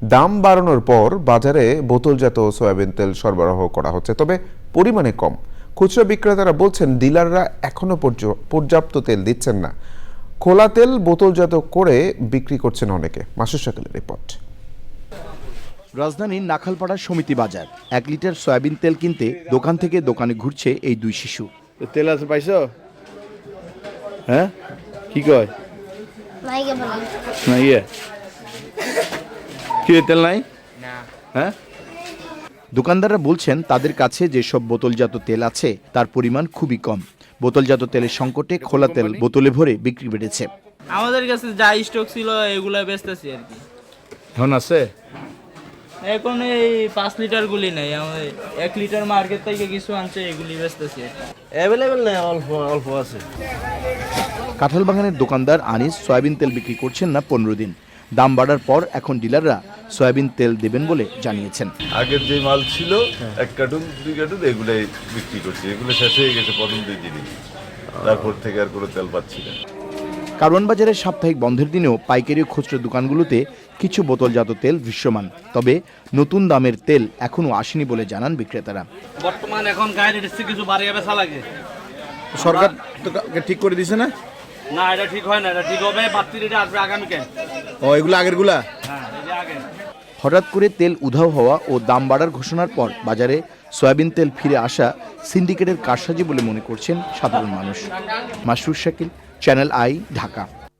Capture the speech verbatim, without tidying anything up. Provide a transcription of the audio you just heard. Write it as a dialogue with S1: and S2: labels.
S1: দাম বাড়ানোর পর বাজারে বোতলজাত সয়াবিন তেল সরবরাহ করা হচ্ছে, তবে পরিমাণে কম। খুচরা বিক্রেতারা বলছেন ডিলাররা এখনো পর্যাপ্ত তেল দিচ্ছেন না। খোলা তেল বোতলজাত করে বিক্রি করছেন অনেকে। মাসুদ শাকিলের রিপোর্ট।
S2: রাজধানীর নাখালপাড়া সমিতি বাজার এক লিটার সয়াবিন তেল কিনতে দোকান থেকে দোকানে ঘুরছে এই দুই শিশু।
S3: তেল আছে পাইছো? হ্যাঁ কি কয় না ইয়ে কি তেল নাই না। হ্যাঁ
S2: দোকানদাররা বলছেন তাদের কাছে যেসব বোতলজাত তেল আছে তার পরিমাণ খুবই কম। বোতলজাত তেলের সংকটে খোলা তেল বোতলে ভরে বিক্রি বেড়েছে।
S4: আমাদের কাছে যা স্টক ছিল এগুলো বেচতেছি আর কি।
S3: এখন আছে
S4: এখন এই পাঁচ লিটার গুলি নেই, আমাদের এক লিটার মার্কেট থেকে কিছু আনছে, এগুলি বেচতেছি।
S3: অ্যাভেলেবেল নেই, অল্প অল্প আছে।
S2: কাঁঠালবাগানের দোকানদার আনিস সয়াবিন তেল বিক্রি করছেন না পনেরো দিন। দাম বাড়ার পর এখন ডিলাররা সয়াবিন তেল দেবেন বলে জানিয়েছেন।
S5: আগের যে মাল ছিল এক কার্টুন দুই কার্টুন এগুলাই বিক্রি করছি, এগুলো শেষ হয়ে গেছে প্রথম দুই দিনই, তারপর থেকে আর কোনো তেল পাচ্ছি না।
S2: কারওয়ান বাজারের সাপ্তাহিক বন্ধের দিনেও পাইকারি ও খুচরা দোকানগুলোতে কিছু বোতলজাত তেল দৃশ্যমান, তবে নতুন দামের তেল এখনো আসেনি বলে জানান বিক্রেতারা।
S4: বর্তমান এখন গায়ের কিছু বাড়িয়ে বেচা লাগে।
S3: সরকার তো ঠিক করে দিছে না?
S4: না, এটা ঠিক হয় না, এটা ঠিক হবে বাত্রিটা আসবে আগামীকাল।
S3: ও এগুলো আগের গুলা?
S4: হ্যাঁ, এটা আগে।
S2: হঠাৎ করে তেল উধাও হওয়া ও দাম বাড়ার ঘোষণার পর বাজারে সয়াবিন তেল ফিরে আসা সিন্ডিকেটের কারসাজি বলে মনে করছেন সাধারণ মানুষ। Masrur Shakil, channel I, Dhaka.